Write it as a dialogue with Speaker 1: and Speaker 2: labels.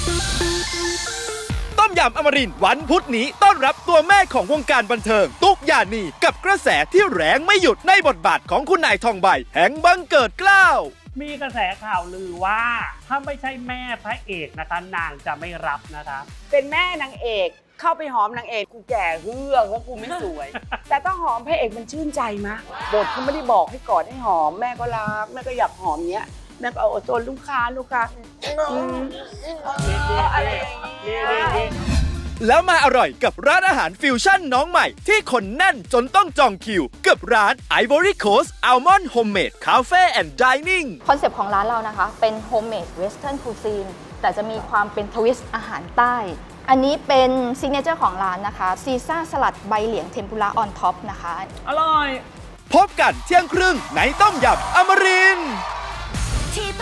Speaker 1: ต้มยำอมรินทร์วันพุธนี้ต้อนรับตัวแม่ของวงการบันเทิงตุ๊กยานีกับกระแสที่แรงไม่หยุดในบทบาทของคุณนายทองใบแห่งบังเกิดเกล้า
Speaker 2: มีกระแสข่าวลือว่าถ้าไม่ใช่แม่พระเอกนะคะนางจะไม่รับนะคะ
Speaker 3: เป็นแม่นางเอกเข้าไปหอมนางเอกกูแก่เฮือกว่ากูไม่สวย แต่ถ้าหอมพระเอกมันชื่นใจมะบทเขาไม่ได้บอกให้กอดให้หอมแม่ก็รักแม่ก็อยากหอมเนี้ยแม่ก็เอาโซนลูกค้าอะไรอย่างเงี้ย
Speaker 1: แล้วมาอร่อยกับร้านอาหารฟิวชั่นน้องใหม่ที่คนแน่นจนต้องจองคิวกับร้าน Ivory Coast Almond Homemade Cafe and Dining
Speaker 4: คอนเซปต์ของร้านเรานะคะเป็นโฮมเมดเวสเทิร์นคูซีนแต่จะมีความเป็นทวิสต์อาหารใต้ อันนี้เป็นซิกเนเจอร์ของร้านนะคะซีซ่าสลัดใบเหลียงเทมปุระออนท็อปนะคะ
Speaker 2: อร่อย
Speaker 1: พบกันเที่ยงครึ่งในต้มยำอมรินทร์
Speaker 5: ที่